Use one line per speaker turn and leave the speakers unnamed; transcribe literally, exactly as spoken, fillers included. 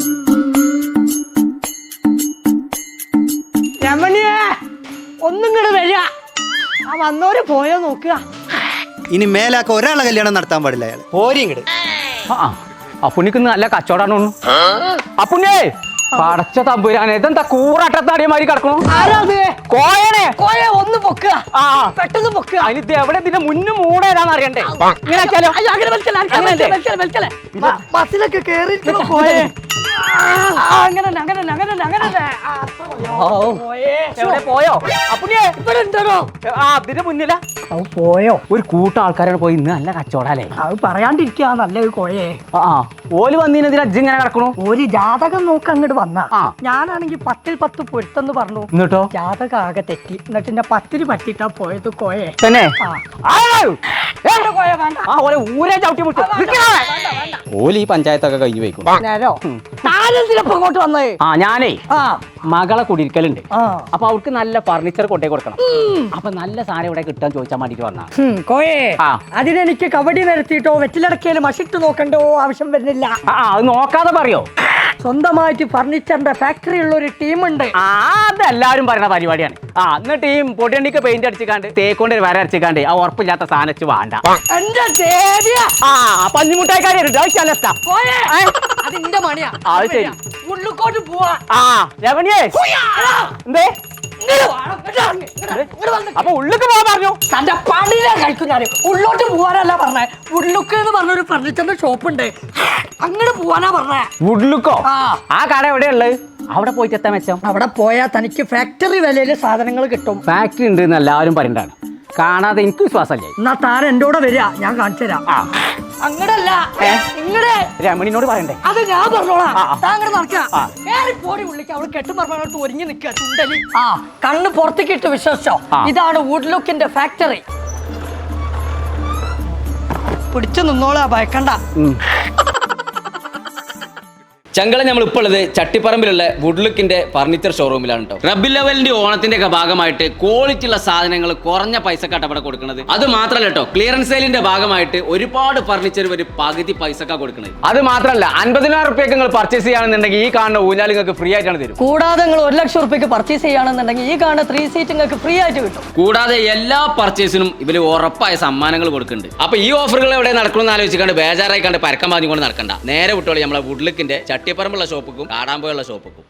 രമണിയെ ഒന്നും ഇങ്ങോട്ട് വരിക. ആ വന്നോര് പോയോ നോക്കുക.
ഇനി മേലാക്ക ഒരാളെ കല്യാണം നടത്താൻ പാടില്ല അയാൾ. പോരി ഇങ്ങട്.
അപ്പുണ്ണിക്ക് നല്ല കച്ചവടാണ് തോന്നുന്നു. അപ്പുണ്ണേ പടച്ച തമ്പുരാനെ ഇതെന്താ കൂറാട്ടത്താടിയമാരി കിടക്കണു. കോയനെ
കോയ ഒന്ന് പൊക്കുക. ആ പെട്ടെന്ന് പൊക്കുക.
അതിന് എവിടെ ഇതിന്റെ മുന്നും മൂടേതാന്ന് അറിയണ്ടേ.
ബസ്സിലൊക്കെ കേറിയിരിക്കണോ കോയെ. അങ്ങനെ അങ്ങനെ അങ്ങനെ അങ്ങനെ
എവിടെ പോയോ അപ്പുണ്ണിയെ?
ഇവിടെ ഉണ്ടോ?
ആ അതിന്റെ മുന്നില
അത് പോയോ?
ഒരു കൂട്ടം ആൾക്കാരാണ് പോയി. ഇന്ന് നല്ല കച്ചവടല്ലേ.
അത് പറയാണ്ടിരിക്കാ നല്ലൊരു കോയെ.
ആ ഓല് വന്നതിനെതിരെ അജ്ജ് ഇങ്ങനെ കിടക്കണു.
ഒരു ജാതകം നോക്ക് അങ്ങോട്ട് വന്ന.
ആ
ഞാനാണെങ്കി പത്തിൽ പത്ത് പൊരുത്തെന്ന് പറഞ്ഞു.
എന്നിട്ടോ
ജാതകം ആകെ തെറ്റി. എന്നിട്ട് എന്റെ പത്തിന് പറ്റിട്ടാ പോയത് കോയെ.
തന്നെ
കോയ വേണ്ട.
ആ ഓലെ ഊരെ ചവിട്ടി മുട്ടു. ഓല് ഈ പഞ്ചായത്തൊക്കെ കഴിഞ്ഞു പോയിക്കും.
നേരോ താനെന്തിനപ്പോ ഇങ്ങോട്ട് വന്നേ?
ആ ഞാനേ
ആ
മകളെ കുടിയിരിക്കലുണ്ട്.
ആ
അപ്പൊ അവർക്ക് നല്ല ഫർണിച്ചർ കൊണ്ടേ കൊടുക്കണം. അപ്പൊ നല്ല സാധനം ഇവിടെ കിട്ടാൻ ചോദിച്ചാൽ വേണ്ടിട്ട് വന്നാ.
കോയെ
ആ
അതിനെനിക്ക് കബഡി നിരത്തിയിട്ടോ വെറ്റിലടക്കിയാലും മഷിട്ട് നോക്കണ്ടോ ആവശ്യം വരുന്നില്ല.
ആ അത് നോക്കാതെ പറയോ.
സ്വന്തമായിട്ട് ഫർണിച്ചറിന്റെ ഫാക്ടറി ഉള്ള ഒരു ടീമുണ്ട്.
ആ അതെല്ലാരും പറയുന്ന പരിപാടിയാണ്. ആ എന്നിട്ട് ഈ പൊടിയണ്ടിക്ക് പെയിന്റ് അടിച്ചിക്കാണ്ട് തേക്കൊണ്ട് വര അടിച്ചിക്കാണ്ട് ആ ഉറപ്പില്ലാത്ത സാധനം വേണ്ട.
എന്റെ ദേവിയ
ആ പഞ്ഞിമുട്ടായിക്കാരി
അതിന്റെ മണിയാ.
അത് ശരി.
ഉള്ളിക്കോട്ട് പോവാ.
ആ രമണിയേ എന്തേ അപ്പൊ ഉള്ളിക്ക് പോവാൻ പറഞ്ഞു.
തന്റെ പണിയിലാ കളിക്കുന്നറിയ. ഉള്ളോട്ട് പോവാനല്ല പറഞ്ഞേ. ഉള്ളുക്ക് എന്ന് പറഞ്ഞൊരു ഫർണിച്ചറിന്റെ ഷോപ്പ് ഉണ്ട്. അങ്ങോട്ട് പോവാനാ പറഞ്ഞേ.
ഉള്ളുക്കോ? ആ കട എവിടെയുള്ളത്? അവിടെ പോയിട്ട് എത്താൻ വെച്ചോ.
അവിടെ പോയാൽ തനിക്ക് ഫാക്ടറി വിലയില് സാധനങ്ങൾ കിട്ടും.
ഫാക്ടറി ഉണ്ട് എന്ന് എല്ലാവരും പറയുന്നതാണ്. കാണാതെ എനിക്ക് വിശ്വാസമല്ലേ.
എന്നാ താൻ എന്റെ കൂടെ വരിക, ഞാൻ കാണിച്ചു തരാം.
ആ
അങ്ങടല്ല ഇങ്ങടെ
രമണിനോട് പറയണ്ടേ.
അത് ഞാൻ പറഞ്ഞോളാം. താങ്കൾ നടക്കുക പോടി ഉള്ളിക്ക്. അവള് കെട്ടും പറഞ്ഞോട്ട് ഒരുങ്ങി നിൽക്കുക. ചുണ്ടലി ആ കണ്ണ് പുറത്തേക്ക് ഇട്ട് വിശ്വസിച്ചോ. ഇതാണ് വുഡ് ലുക്കിന്റെ ഫാക്ടറി. പിടിച്ചു നിന്നോളാ, ഭയക്കണ്ട.
ചങ്കള നമ്മൾ ഇപ്പോൾ ഉള്ളത് ചട്ടിപ്പറമ്പിലുള്ള വുഡ്ലുക്കിന്റെ ഫർണിച്ചർ ഷോറൂമിലാണ് കേട്ടോ. റബ്ബിൽ ലെവലിന്റെ ഓണത്തിന്റെ ഒക്കെ ഭാഗമായിട്ട് ക്വാളിറ്റി ഉള്ള സാധനങ്ങൾ കുറഞ്ഞ പൈസക്കാട്ട് അവിടെ കൊടുക്കുന്നത്. അത് മാത്രമല്ല കേട്ടോ, ക്ലിയറൻസ് സെയിലിന്റെ ഭാഗമായിട്ട് ഒരുപാട് ഫർണിച്ചർ ഒരു പകുതി പൈസക്കാ കൊടുക്കുന്നത്. അത് മാത്രമല്ല അൻപതിനായിരം റുപ്യക്ക് നിങ്ങൾ പർച്ചേസ് ചെയ്യുകയാണെന്നുണ്ടെങ്കിൽ ഈ കാണുന്ന ഊഞ്ഞാൽ നിങ്ങൾക്ക് ഫ്രീ ആയിട്ടാണ് തരും.
കൂടാതെ നിങ്ങൾ ഒരു ലക്ഷം റുപ്യക്ക് പർച്ചേസ് ചെയ്യുകയാണെന്നുണ്ടെങ്കിൽ ഈ കാണുന്ന ത്രീ സീറ്റ് നിങ്ങൾക്ക് ഫ്രീ ആയിട്ട് കിട്ടും.
കൂടാതെ എല്ലാ പർച്ചേസിനും ഇവര് ഉറപ്പായ സമ്മാനങ്ങൾ കൊടുക്കുന്നുണ്ട്. അപ്പൊ ഈ ഓഫറുകൾ എവിടെ നടക്കണമെന്ന് ആലോചിക്കാണ്ട് ബേജാറായി കണ്ട് പരക്കം പാഞ്ഞുകൊണ്ട് നടക്കണ്ട. നേരെ വിട്ടോളി നമ്മളെ വുഡ്ലുക്കിന്റെ ചട്ടിപ്പറമ്പുള്ള ഷോപ്പുക്കും കാടാമ്പുള്ള ഷോപ്പുക്കും.